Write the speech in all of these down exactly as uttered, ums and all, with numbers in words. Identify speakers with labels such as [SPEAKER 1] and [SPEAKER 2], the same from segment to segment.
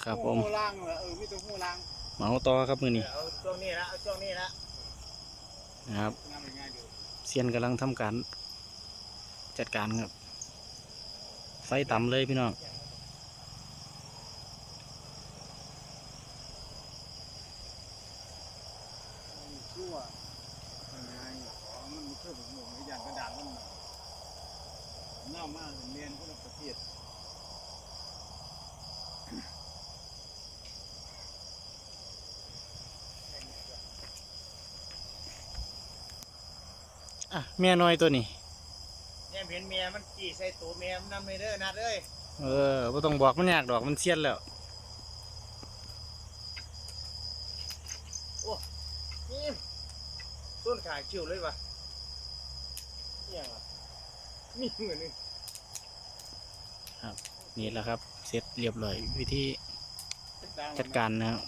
[SPEAKER 1] ครับผม
[SPEAKER 2] หูล่างเหรอเออมีตัวหูล่าง
[SPEAKER 1] เหมาต่อครับมือนี้
[SPEAKER 2] เอาช่วงนี้ละเอาช่วงนี้ละ
[SPEAKER 1] นะครับ
[SPEAKER 2] งานง่ายอยู่
[SPEAKER 1] เซียนกำลังทำการจัดการครับไฟต่ำเลยพี่น้อง
[SPEAKER 2] ชั่วง่ายของมันไม่เคยผมหมดอย่างกระดาษมันเน่ามากเรียนคนละประเทศ
[SPEAKER 1] อ่ะเมียน้อยตัวนี้
[SPEAKER 2] เนี่ยเห็นเมียมันกี่ใส่ตัวเมียมันนำเลยเด้อนัดเอ้ย
[SPEAKER 1] เออไม่ต้องบอกมันยากดอกมันเซียนแล้ว
[SPEAKER 2] นี่ต้นขาคิวเลยวะเนี่ยมีเหมือนนึง
[SPEAKER 1] นี่แหละครับเสร็จเรียบร้อยวิธีจัดการนะครับ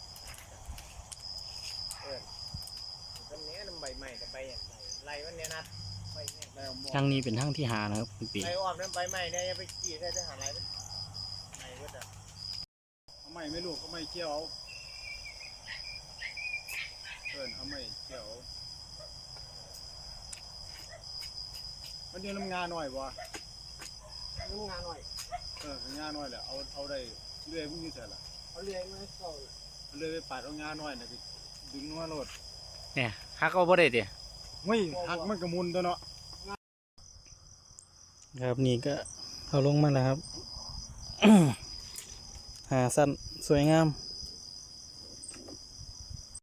[SPEAKER 2] ต้นนี้น้ำใบใหม่กับใบอย่างไรไรวันนี้นัดใบเนี่ยไรอม
[SPEAKER 1] ทางนี้เป็นทางที่หานะครับคุณปี
[SPEAKER 2] ไรอ้อมน้ำใบใหม่เนี่ยไปกี่ได้ทหารไรมันไหนก็จะเอาไม่ไม่ลูกเอาไม่เกี่ยวเอาเอินเอาไม่เกี่ยวมันเดียวน้ำงาหน่อยวะน้ำงาหน่อยเอองาหน่อยแหละเอาเอาได้เลื่อยพวกนี้ใส่ละเอาเลื่อยมาให้เขาเลื่อยไปปาดเอางาหน่อยนะดึงนัวโลด
[SPEAKER 1] เนี่ยฮักเอาบ่ได้เดี๋ย
[SPEAKER 2] ไม่หักมันกระมุนตัวเนาะ
[SPEAKER 1] ครับนี่ก็เอาลงมาแล้วครับ หาสั้นสวยงาม